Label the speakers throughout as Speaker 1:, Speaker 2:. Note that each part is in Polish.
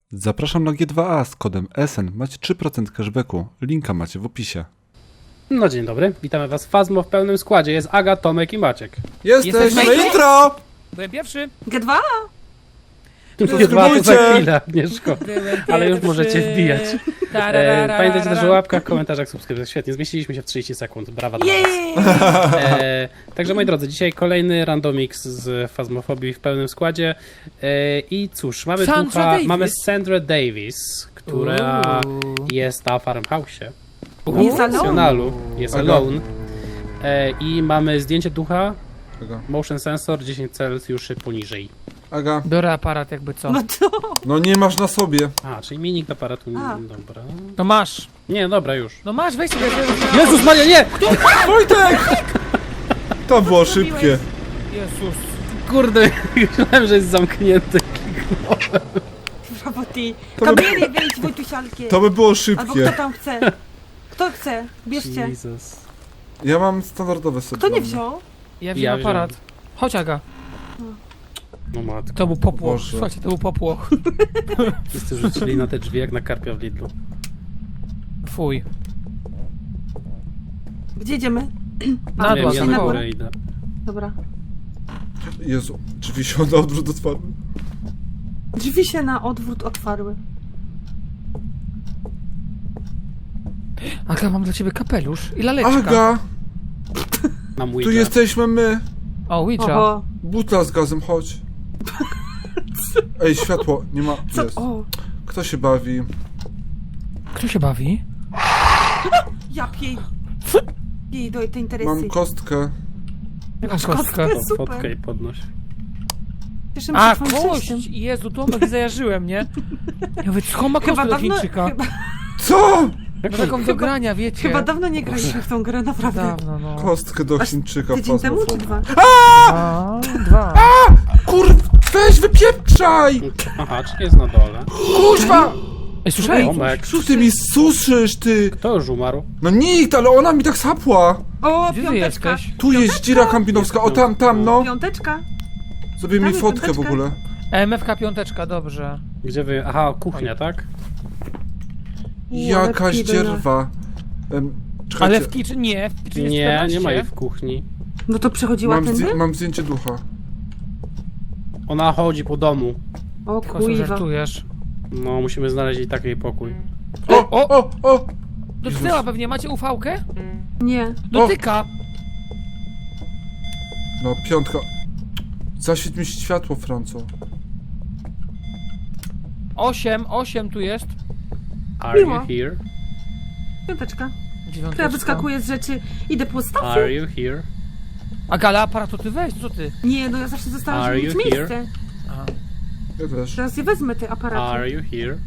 Speaker 1: Zapraszam na G2A z kodem SN. Macie 3% cashbacku. Linka macie w opisie.
Speaker 2: No dzień dobry, witamy was w Fazmo w pełnym składzie. Jest Aga, Tomek i Maciek.
Speaker 1: Jesteśmy
Speaker 3: Jesteśmy
Speaker 1: intro!
Speaker 3: Byłem pierwszy.
Speaker 4: G2?
Speaker 2: Nie dwa to za
Speaker 1: Subskrybujcie!
Speaker 2: chwilę, Agnieszko. Ale już możecie wbijać. Pamiętajcie też o łapkach, komentarzach, subskrypcjach. Świetnie, zmieściliśmy się w 30 sekund. Brawa dla was. Także moi drodzy, dzisiaj kolejny randomix z Fazmofobii w pełnym składzie. I cóż, mamy mamy Sandra Davis, która jest na Farmhouse'ie.
Speaker 4: Jest alone.
Speaker 2: Jest
Speaker 1: Aga.
Speaker 2: alone. I mamy zdjęcie ducha,
Speaker 1: Aga.
Speaker 2: motion sensor 10 Celsjuszy poniżej.
Speaker 1: Aga.
Speaker 3: Biorę aparat jakby co.
Speaker 4: No to...
Speaker 1: No nie masz na sobie.
Speaker 2: A, czyli minik aparatu.
Speaker 4: A.
Speaker 2: Dobra.
Speaker 3: No masz.
Speaker 2: Nie, dobra, już.
Speaker 3: No masz, weź sobie.
Speaker 2: Jezus Maria, nie!
Speaker 1: Wojtek! To było szybkie.
Speaker 3: Jezus.
Speaker 2: Kurde, myślałem, że jest zamknięty.
Speaker 4: Brawo ty.
Speaker 1: To by-
Speaker 4: Kamery wejdź, Wojtusialkie.
Speaker 1: To by było
Speaker 4: Albo
Speaker 1: szybkie.
Speaker 4: kto tam chce. Kto chce? Bierzcie.
Speaker 2: Jezus.
Speaker 1: Ja mam standardowe sobie.
Speaker 4: Kto nie
Speaker 1: dla mnie.
Speaker 4: wziął?
Speaker 3: Ja wziąłem aparat. Chodź Aga.
Speaker 2: No matko.
Speaker 3: To był popłoch.
Speaker 1: Boże.
Speaker 3: Słuchajcie, to był popłoch.
Speaker 2: Wszyscy rzucili na te drzwi jak na karpia w Lidlu.
Speaker 3: Fuj.
Speaker 4: Gdzie idziemy?
Speaker 3: Na
Speaker 2: Nie
Speaker 3: dół,
Speaker 2: wiem, ja
Speaker 4: na
Speaker 2: na
Speaker 4: górę.
Speaker 2: górę idę.
Speaker 4: Dobra.
Speaker 1: Jezu, drzwi się na odwrót otwarły.
Speaker 4: Drzwi się na odwrót otwarły.
Speaker 3: Aga, mam dla ciebie kapelusz i laleczka.
Speaker 1: Aga!
Speaker 2: Na mój
Speaker 1: Tu jesteśmy my.
Speaker 3: O, Ouija.
Speaker 4: Oho.
Speaker 1: Butla z gazem, chodź. Ej, światło, nie ma.
Speaker 4: Co?
Speaker 1: Jest.
Speaker 4: O.
Speaker 1: Kto się bawi?
Speaker 3: Kto się bawi?
Speaker 4: Ja piej. Piej do tej interesy.
Speaker 1: Mam kostkę.
Speaker 3: Jaką kostkę?
Speaker 2: To
Speaker 4: Super.
Speaker 2: fotkę i podnoś.
Speaker 4: Cieszymy
Speaker 3: A,
Speaker 4: się twoim
Speaker 3: kość!
Speaker 4: szczęściem.
Speaker 3: Jezu, Tomek, zajarzyłem, nie? Ja mówię, co ma kość
Speaker 4: Chyba
Speaker 3: do
Speaker 4: dawno,
Speaker 3: Chińczyka?
Speaker 1: Co?
Speaker 3: No taką do grania, wiecie.
Speaker 4: chyba dawno nie graliśmy w tą grę, naprawdę.
Speaker 3: Dawno, no.
Speaker 1: Kostkę do Chińczyka.
Speaker 4: Tydzień temu czy
Speaker 1: Fazmofobii.
Speaker 4: dwa?
Speaker 3: Dwa.
Speaker 1: Kurw, weź wypieprzaj!
Speaker 2: Aha, czy jest na dole?
Speaker 1: Kuźwa!
Speaker 3: Ej, słyszałeś?
Speaker 2: Tomek,
Speaker 1: Co ty mi suszysz, ty?
Speaker 2: kto już umarł?
Speaker 1: No nikt, ale ona mi tak sapła.
Speaker 4: O,
Speaker 3: Gdzie ty
Speaker 4: piąteczka.
Speaker 3: jesteś?
Speaker 1: Tu jest dzira kampinowska, o tam, no.
Speaker 4: Piąteczka.
Speaker 1: Zrobię mi
Speaker 4: Damy
Speaker 1: fotkę w
Speaker 4: piąteczkę.
Speaker 1: ogóle.
Speaker 3: MFK piąteczka, dobrze.
Speaker 2: Gdzie wy... Aha, kuchnia, tak?
Speaker 1: Jakaś
Speaker 4: ale
Speaker 1: dzierwa. Czekajcie,
Speaker 3: Ale w kitchen nie, w kitchen jest
Speaker 2: Nie,
Speaker 3: 14.
Speaker 2: nie ma jej w kuchni.
Speaker 4: No to przechodziła tędy?
Speaker 1: mam zdjęcie ducha.
Speaker 2: Ona chodzi po domu.
Speaker 4: O
Speaker 3: Tylko sobie
Speaker 4: kuiwa.
Speaker 3: żartujesz.
Speaker 2: No, musimy znaleźć jej taki pokój.
Speaker 1: O!
Speaker 3: Dotknęła pewnie, macie ufałkę?
Speaker 4: Nie.
Speaker 3: Dotyka.
Speaker 1: No, piątka. Zaświeć mi światło, Franco.
Speaker 3: 8 tu jest.
Speaker 2: Are you
Speaker 4: Miło.
Speaker 2: here?
Speaker 4: Piąteczka. To ja
Speaker 3: Dziewiąteczka.
Speaker 4: wyskakuję z rzeczy. Idę po
Speaker 2: Are
Speaker 4: stafy.
Speaker 2: you here?
Speaker 3: A Gala, aparat to ty weź, co ty?
Speaker 4: Nie, no ja zawsze zostałam,
Speaker 2: Are
Speaker 4: żeby mieć
Speaker 2: you
Speaker 4: miejsce.
Speaker 3: Aha.
Speaker 1: Ja też.
Speaker 4: Teraz ja wezmę te aparaty.
Speaker 2: Are you here?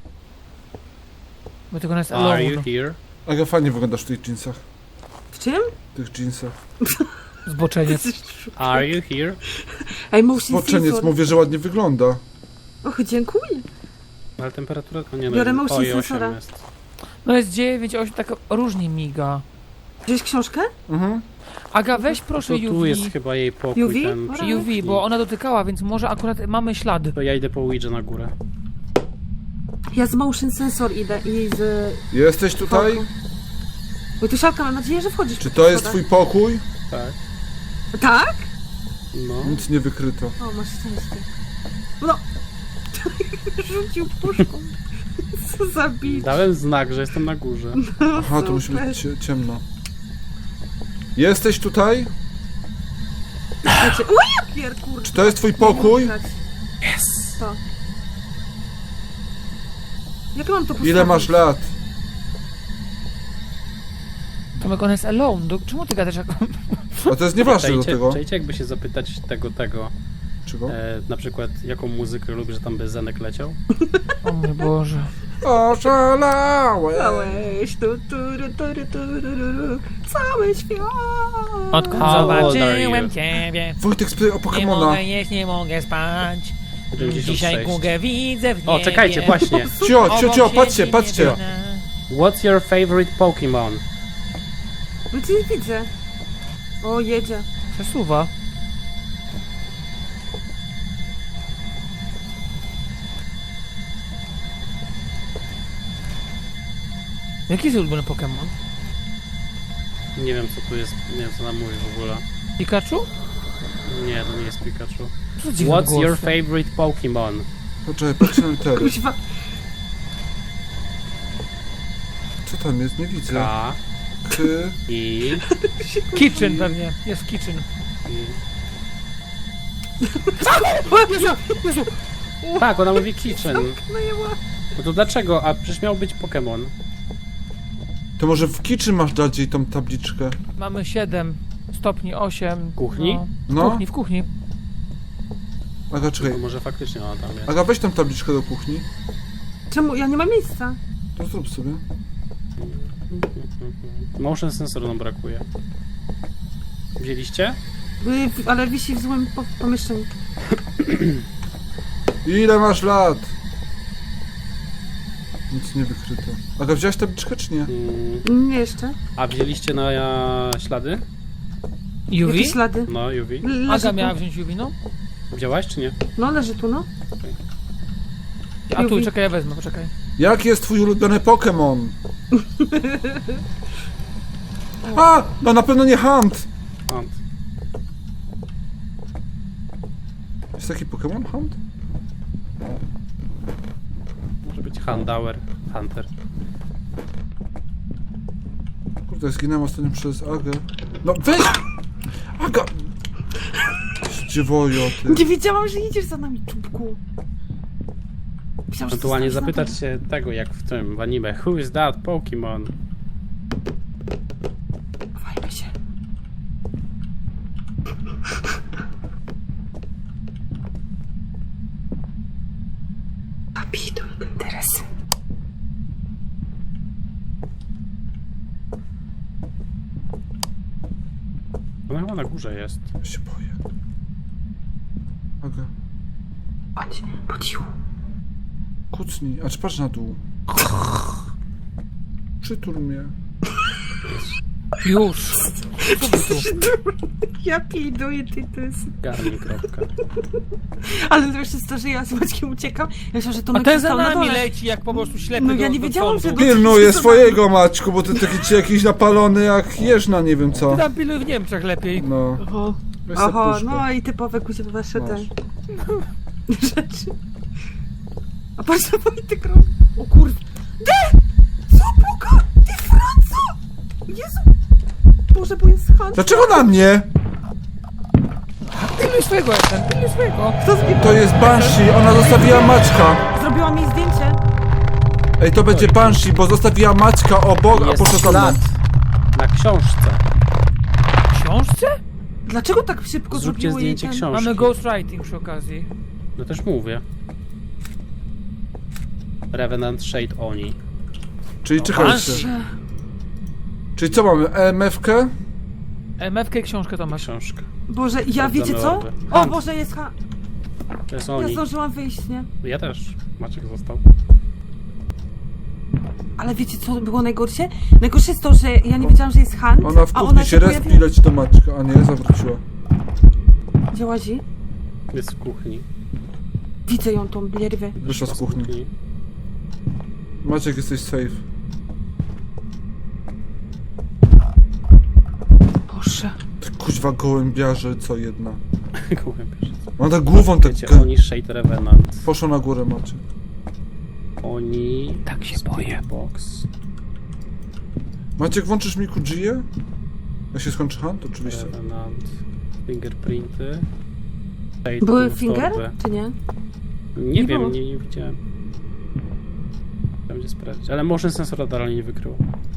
Speaker 3: Bo tylko nas
Speaker 2: Are
Speaker 3: alone.
Speaker 2: you here?
Speaker 1: Aga, fajnie wyglądasz w tych jeansach.
Speaker 4: W czym?
Speaker 1: W tych jeansach.
Speaker 3: Zboczeniec.
Speaker 2: Are you here?
Speaker 4: Ej, motion
Speaker 1: Spoczeniec,
Speaker 4: sensor.
Speaker 1: mówię, że ładnie wygląda.
Speaker 4: Och, dziękuję.
Speaker 2: Ale temperatura... O nie, no,
Speaker 4: Biorę motion
Speaker 2: oj, 8
Speaker 4: sensora.
Speaker 2: jest.
Speaker 3: No jest 9, 8, tak różnie miga.
Speaker 4: Wziąłeś książkę?
Speaker 1: Mhm.
Speaker 3: Aga, weź proszę
Speaker 2: To tu jest
Speaker 3: UV.
Speaker 2: chyba jej pokój.
Speaker 4: UV?
Speaker 2: Ten przy
Speaker 3: UV,
Speaker 2: kuchni.
Speaker 3: bo ona dotykała, więc może akurat mamy ślad.
Speaker 2: To ja idę po Ouija na górę.
Speaker 4: Ja z motion sensor idę i z...
Speaker 1: Jesteś tutaj?
Speaker 4: Oj, tu Szalka, mam nadzieję, że wchodzisz.
Speaker 1: Czy
Speaker 4: po
Speaker 1: to
Speaker 4: tych
Speaker 1: jest
Speaker 4: schodach.
Speaker 1: twój pokój?
Speaker 2: Tak.
Speaker 4: Tak?
Speaker 2: No.
Speaker 1: Nic nie wykryto.
Speaker 4: O, masz szczęście. No. Rzucił puszką. Co za bicz.
Speaker 2: Dałem znak, że jestem na górze.
Speaker 1: Aha, to musi być ciemno. Jesteś tutaj?
Speaker 4: Znaczy, o, ja pier, kurde.
Speaker 1: Czy to jest twój pokój?
Speaker 4: Jest. To. Jak mam to postawić?
Speaker 1: Ile masz lat?
Speaker 3: Tomek, ona jest alone. Czemu ty gadasz jak...
Speaker 1: A to jest nieważne do tego.
Speaker 2: Czajcie, jakby się zapytać tego.
Speaker 1: Czego?
Speaker 2: Na przykład, jaką muzykę lubi, że tam by Zenek leciał?
Speaker 3: O mój Boże.
Speaker 1: Oszalałe.
Speaker 4: Całeś, cały świat.
Speaker 3: Odkąd
Speaker 2: How old are
Speaker 3: zobaczyłem
Speaker 2: you?
Speaker 3: ciebie,
Speaker 1: Wojtek spytaj o
Speaker 3: nie
Speaker 1: Pokemona.
Speaker 3: mogę jeść, nie mogę spać.
Speaker 2: 96.
Speaker 3: Dzisiaj Gugę widzę w niebie.
Speaker 2: O, czekajcie, właśnie.
Speaker 1: Cio, patrzcie, patrzcie.
Speaker 2: What's your favorite Pokemon?
Speaker 4: No ci nie widzę. O, jedzie.
Speaker 3: Przesuwa. Jaki jest ulubiony Pokémon?
Speaker 2: Nie wiem co tu jest, nie wiem co nam mówi w ogóle.
Speaker 3: Pikachu?
Speaker 2: Nie, to nie jest Pikachu.
Speaker 3: Co za dziwny
Speaker 2: What's
Speaker 3: głos?
Speaker 2: your favorite Pokemon?
Speaker 1: Poczekaj, patrzę na litery.
Speaker 4: Kuźwa.
Speaker 1: Co tam jest? Nie widzę.
Speaker 2: K,
Speaker 1: K...
Speaker 2: I,
Speaker 3: Kitchen pewnie. Jest Kitchen.
Speaker 2: I. Tak, ona mówi Kitchen.
Speaker 4: Najęła.
Speaker 2: No to dlaczego? A przecież miał być Pokémon.
Speaker 1: To może w kitchen masz dać jej tą tabliczkę?
Speaker 3: Mamy 7 stopni, 8.
Speaker 2: Kuchni?
Speaker 1: No.
Speaker 3: W kuchni.
Speaker 1: Aga, czekaj.
Speaker 2: To może faktycznie ona tam jest.
Speaker 1: Aga, weź tą tabliczkę do kuchni.
Speaker 4: Czemu? Ja nie mam miejsca.
Speaker 1: To zrób sobie.
Speaker 2: Motion sensor nam brakuje. Wzięliście?
Speaker 4: Ale wisi w złym pomieszczeniu.
Speaker 1: Ile masz lat? Nic nie wykryto. Aga, wziąłeś tabliczkę czy nie?
Speaker 4: Nie jeszcze.
Speaker 2: A wzięliście na ślady?
Speaker 3: UV?
Speaker 4: Jakie ślady?
Speaker 2: No, UV.
Speaker 4: Leży
Speaker 3: Aga
Speaker 4: tu.
Speaker 3: miała wziąć UV, no?
Speaker 2: Wzięłaś czy nie?
Speaker 4: No, leży tu, no.
Speaker 3: A tu,
Speaker 4: UV.
Speaker 3: czekaj, ja wezmę, poczekaj.
Speaker 1: Jaki jest twój ulubiony Pokémon? A! No na pewno nie Hunt!
Speaker 2: Hunt.
Speaker 1: Jest taki Pokémon Hunt?
Speaker 2: Może być Handauer. Hunter.
Speaker 1: Kurde, zginąłem ostatnio przez Agę. No weź! Aga! Dziewojo, ty.
Speaker 4: Nie wiedziałam, że idziesz za nami, czubku. Myślałam, że
Speaker 2: Ewentualnie
Speaker 4: zostawisz na
Speaker 2: zapytać się tego, jak w tym w anime. Who is that Pokemon?
Speaker 4: dole. Chowajmy się. Kapituj interesy.
Speaker 2: Ona chyba na górze jest.
Speaker 1: Ja się boję. Aga,
Speaker 4: Chodź, po cichu.
Speaker 1: kucnij. A czy patrz na dół. Przytul mnie.
Speaker 3: Już!
Speaker 4: Ja piduję, ty to jest...
Speaker 2: Garni kropka.
Speaker 4: Ale najlepsze jest to, że ja z Maćkiem uciekam. Ja myślałam, że to
Speaker 3: A ten za
Speaker 4: stał na
Speaker 3: nami
Speaker 4: dole.
Speaker 3: leci jak po prostu ślepy
Speaker 4: No ja
Speaker 3: do,
Speaker 4: nie
Speaker 3: do
Speaker 4: wiedziałam,
Speaker 3: sądu.
Speaker 4: że
Speaker 1: Pilnuję swojego, Maćku, bo ty taki jakiś napalony jak jeżna, nie wiem co.
Speaker 3: Ty tam piluj w Niemczech lepiej.
Speaker 1: No.
Speaker 4: Oho,
Speaker 1: Weź sobie
Speaker 4: oho,
Speaker 1: puszkę.
Speaker 4: no i typowe kuźwa wasze te
Speaker 1: Masz.
Speaker 4: rzeczy. A patrz na Wojtek robi. O kurde. Co Boga? Ty Franco! Jezu! Boże, bo jest Han.
Speaker 1: Dlaczego na mnie?
Speaker 3: Piluj swojego, jestem, piluj swojego.
Speaker 4: Kto zrobił?
Speaker 1: To jest Banshee, ona zostawiła Maćka.
Speaker 4: Zrobiła mi zdjęcie.
Speaker 1: Ej, to będzie Banshee, bo zostawiła Maćka obok, a
Speaker 2: Jest
Speaker 1: poszła za mną.
Speaker 2: ślad na książce.
Speaker 3: W książce?
Speaker 4: Dlaczego tak szybko
Speaker 2: Zróbcie
Speaker 4: zrobiło jej
Speaker 2: zdjęcie
Speaker 4: ten...
Speaker 2: książki.
Speaker 3: Mamy ghostwriting przy okazji.
Speaker 2: No też mówię. Revenant Shade Oni.
Speaker 1: Czyli czekajcie.
Speaker 3: Banshee.
Speaker 1: Czyli co mamy? EMF-kę?
Speaker 3: MFK i książkę to masz.
Speaker 2: Książka.
Speaker 4: Boże, ja
Speaker 2: Sprawdzamy
Speaker 4: wiecie co?
Speaker 2: orby.
Speaker 4: O
Speaker 2: Hunt.
Speaker 4: Boże, jest Han.
Speaker 2: To jest
Speaker 4: Ja
Speaker 2: Oni.
Speaker 4: zdążyłam wyjść, nie?
Speaker 2: Ja też. Maciek został.
Speaker 4: Ale wiecie co było najgorsze? Najgorsze jest to, że ja nie wiedziałam, że jest Han,
Speaker 1: Ona w
Speaker 4: a
Speaker 1: kuchni
Speaker 4: ona
Speaker 1: się respi, leci do Maćka. A nie, zawróciła.
Speaker 4: Gdzie łazi?
Speaker 2: Jest w kuchni.
Speaker 4: Widzę ją, tą bierwę.
Speaker 1: Wyszła z kuchni. Maciek, jesteś safe.
Speaker 4: Boże.
Speaker 1: Ty kuźwa gołębiarze, co jedna.
Speaker 2: Gołębierz.
Speaker 1: Ona tak głową tak...
Speaker 2: Wiecie, Oni Shade Revenant.
Speaker 1: Poszła na górę, Maciek.
Speaker 2: Oni...
Speaker 3: Tak się boję.
Speaker 2: Box.
Speaker 1: Maciek, włączysz mi Kujię? Jak się skończy Hunt? Oczywiście.
Speaker 2: Revenant. Fingerprinty. Shade
Speaker 4: Były
Speaker 2: Torby.
Speaker 4: finger, czy nie?
Speaker 2: Nie
Speaker 4: Nie
Speaker 2: wiem,
Speaker 4: było.
Speaker 2: nie widziałem. Będzie sprawdzić. Ale motion sensora dalej nie wykrył.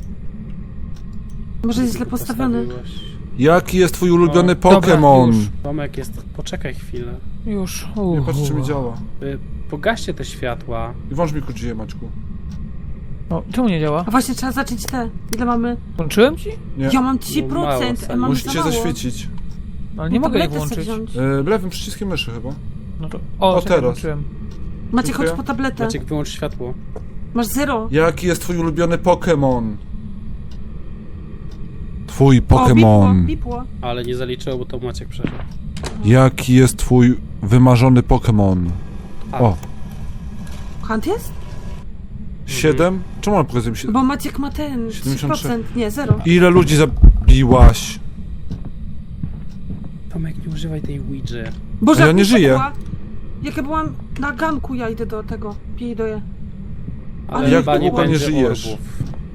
Speaker 4: Może jest źle
Speaker 2: Tylko
Speaker 4: postawiony.
Speaker 2: postawiłeś.
Speaker 1: Jaki jest twój ulubiony
Speaker 3: Dobra,
Speaker 1: Pokémon?
Speaker 3: już.
Speaker 2: Tomek jest... Poczekaj chwilę.
Speaker 3: Już.
Speaker 1: Nie patrz, czy mi działa.
Speaker 2: Pogaście te światła.
Speaker 1: I włącz mi Kujię, Maćku.
Speaker 3: O, czemu nie działa?
Speaker 4: A właśnie trzeba zacząć te. Ile mamy?
Speaker 3: Włączyłem ci?
Speaker 1: Nie.
Speaker 4: Ja mam
Speaker 2: No mało,
Speaker 4: 3%,
Speaker 2: Sani.
Speaker 4: a mam
Speaker 1: Musicie
Speaker 4: za mało.
Speaker 1: zaświecić.
Speaker 3: Ale nie
Speaker 4: No
Speaker 3: mogę jej
Speaker 4: tabletę sobie
Speaker 3: włączyć.
Speaker 4: wziąć.
Speaker 1: Lewym przyciskiem myszy chyba.
Speaker 3: No to... O,
Speaker 1: O,
Speaker 3: czekaj,
Speaker 1: teraz.
Speaker 3: włączyłem.
Speaker 4: Macie,
Speaker 1: Dziękuję.
Speaker 4: chodź po tabletę.
Speaker 2: Maciek, wyłącz światło.
Speaker 4: Masz 0.
Speaker 1: Jaki jest twój ulubiony Pokémon? Twój
Speaker 4: O,
Speaker 1: Pokémon.
Speaker 4: bipło.
Speaker 2: Ale nie zaliczyło, bo to Maciek przeszedł.
Speaker 1: Jaki jest twój wymarzony Pokémon? O,
Speaker 4: Hunt jest?
Speaker 1: 7? Czemu ona pokazuje mi 7?
Speaker 4: Bo Maciek ma ten
Speaker 1: 73.
Speaker 4: 3%, nie, 0.
Speaker 1: Ile ludzi zabiłaś?
Speaker 2: Tomek, nie używaj tej Ouija.
Speaker 4: Boże,
Speaker 1: Ja
Speaker 4: jak
Speaker 1: nie
Speaker 4: mi
Speaker 1: żyję.
Speaker 4: była- Jak ja byłam na ganku, ja idę do tego, piję.
Speaker 2: Ale
Speaker 1: jak
Speaker 2: chyba nie
Speaker 1: długo nie
Speaker 2: będzie
Speaker 1: żyjesz?
Speaker 2: orbów.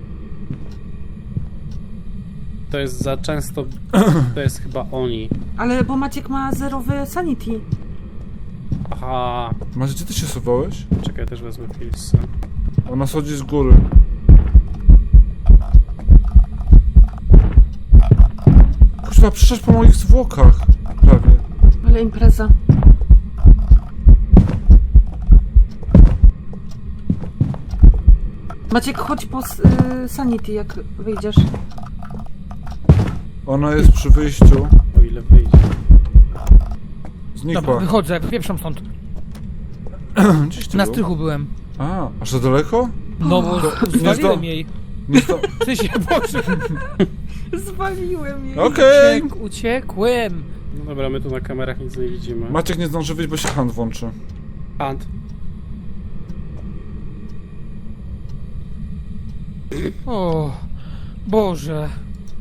Speaker 2: To jest za często... To jest chyba oni.
Speaker 4: Ale bo Maciek ma zerowy sanity.
Speaker 2: Aha.
Speaker 1: Macie, gdzie ty się schowałeś?
Speaker 2: Czekaj, też wezmę pilsy.
Speaker 1: Ona schodzi z góry. Kurwa, przyszedł po moich zwłokach. Prawie.
Speaker 4: Ale impreza. Maciek, chodź po sanity, jak wyjdziesz.
Speaker 1: Ona jest przy wyjściu.
Speaker 2: O ile wyjdzie.
Speaker 3: Dobra,
Speaker 1: Znikła.
Speaker 3: wychodzę, pieprzam stąd.
Speaker 1: Gdzieś ty
Speaker 3: Na
Speaker 1: był?
Speaker 3: strychu byłem.
Speaker 1: A, aż za daleko?
Speaker 3: No bo zwaliłem jej.
Speaker 1: Nie sto...
Speaker 3: W sensie, Boże,
Speaker 4: Zwaliłem jej.
Speaker 1: Okej.
Speaker 3: uciekłem.
Speaker 2: No dobra, my tu na kamerach nic nie widzimy.
Speaker 1: Maciek nie zdąży wyjść, bo się hand włączy.
Speaker 2: Hand.
Speaker 3: O, Boże.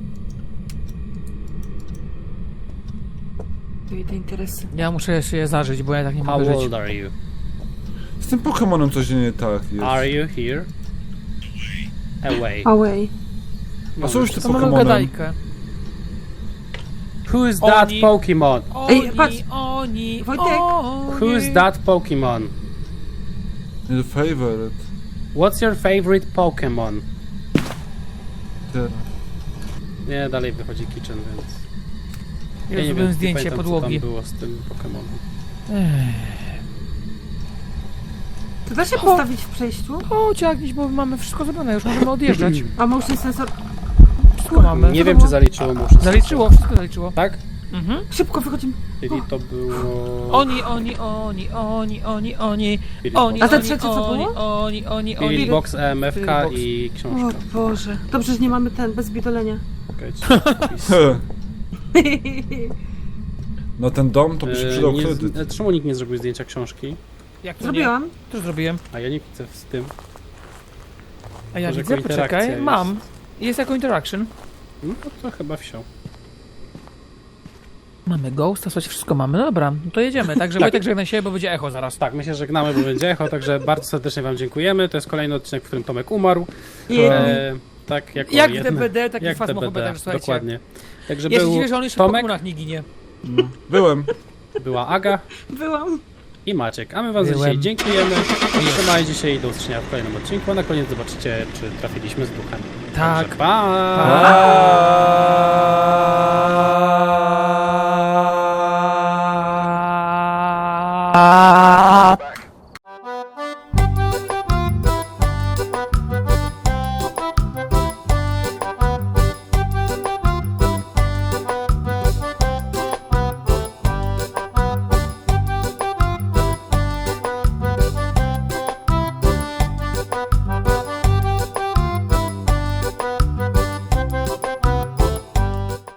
Speaker 4: I te interesy.
Speaker 3: Ja muszę jeszcze je zażyć, bo ja tak nie
Speaker 2: How
Speaker 3: mogę żyć.
Speaker 2: old are you?
Speaker 1: Z tym Pokemonem coś nie tak jest.
Speaker 2: Are you here? Away.
Speaker 4: Away.
Speaker 1: A co już ty
Speaker 3: To mamy
Speaker 1: Pokemonem?
Speaker 3: gadajkę.
Speaker 2: Who's that
Speaker 3: Oni.
Speaker 2: Pokemon?
Speaker 4: Ej, patrz.
Speaker 3: Oni,
Speaker 4: Wojtek.
Speaker 2: Who's that Pokemon?
Speaker 1: Nie favorite.
Speaker 2: What's your favorite Pokemon?
Speaker 1: Teraz.
Speaker 2: Nie, dalej wychodzi Kitchen, więc...
Speaker 3: Ja
Speaker 2: nie
Speaker 3: zrobiłem
Speaker 2: wiem,
Speaker 3: zdjęcie
Speaker 2: nie pamiętam,
Speaker 3: podłogi.
Speaker 2: co tam było z tym Pokemonem.
Speaker 4: To da się postawić w przejściu?
Speaker 3: Chodź, Agniś, bo mamy wszystko zrobione, już możemy odjeżdżać.
Speaker 4: A motion sensor...
Speaker 3: Wszystko mamy.
Speaker 2: Nie wiem, czy zaliczyło mu wszystko.
Speaker 3: Zaliczyło, wszystko zaliczyło.
Speaker 2: Tak?
Speaker 3: Mhm.
Speaker 4: Szybko wychodzimy.
Speaker 2: Czyli to było...
Speaker 3: Oni.
Speaker 4: A te trzecie co było?
Speaker 3: Oni.
Speaker 2: Spirit Box, EMF-ka
Speaker 3: Spirit Box.
Speaker 2: i
Speaker 4: O
Speaker 2: książka.
Speaker 4: Boże. Dobrze, że nie mamy ten, bez bidolenia.
Speaker 2: Czekajcie.
Speaker 1: Na ten dom to by się przydał kredyt.
Speaker 2: Czemu nikt nie zrobił zdjęcia książki?
Speaker 3: Jak to
Speaker 4: Zrobiłam.
Speaker 3: Nie? To zrobiłem.
Speaker 2: A ja nie widzę z tym.
Speaker 3: A ja
Speaker 2: Może
Speaker 3: widzę,
Speaker 2: jako interakcja
Speaker 3: poczekaj.
Speaker 2: jest.
Speaker 3: Mam. Jest jako interaction.
Speaker 2: No to chyba wsiął.
Speaker 3: Mamy ghosta, coś wszystko mamy. No dobra, no to jedziemy. Także Wojtek żegnaj się, bo będzie echo zaraz.
Speaker 2: Tak, my się żegnamy, bo będzie echo, także bardzo serdecznie wam dziękujemy. To jest kolejny odcinek, w którym Tomek umarł. Tak, jako
Speaker 3: Jak w
Speaker 2: jedna-
Speaker 3: DBD, taki
Speaker 2: jak w
Speaker 3: fasmofobe,
Speaker 2: DBD,
Speaker 3: także słuchajcie.
Speaker 2: dokładnie. Także
Speaker 3: Ja się
Speaker 2: był
Speaker 3: dziwię, że on jeszcze w
Speaker 2: Tomek,
Speaker 3: Pokemonach nie ginie.
Speaker 1: Byłem.
Speaker 2: była Aga
Speaker 4: Byłam.
Speaker 2: i Maciek. A my wam za
Speaker 3: Byłem.
Speaker 2: dzisiaj dziękujemy. Trzymajcie się i do usłyszenia w kolejnym odcinku. A na koniec zobaczycie, czy trafiliśmy z duchem.
Speaker 3: Tak.
Speaker 2: Także pa!
Speaker 1: Pa!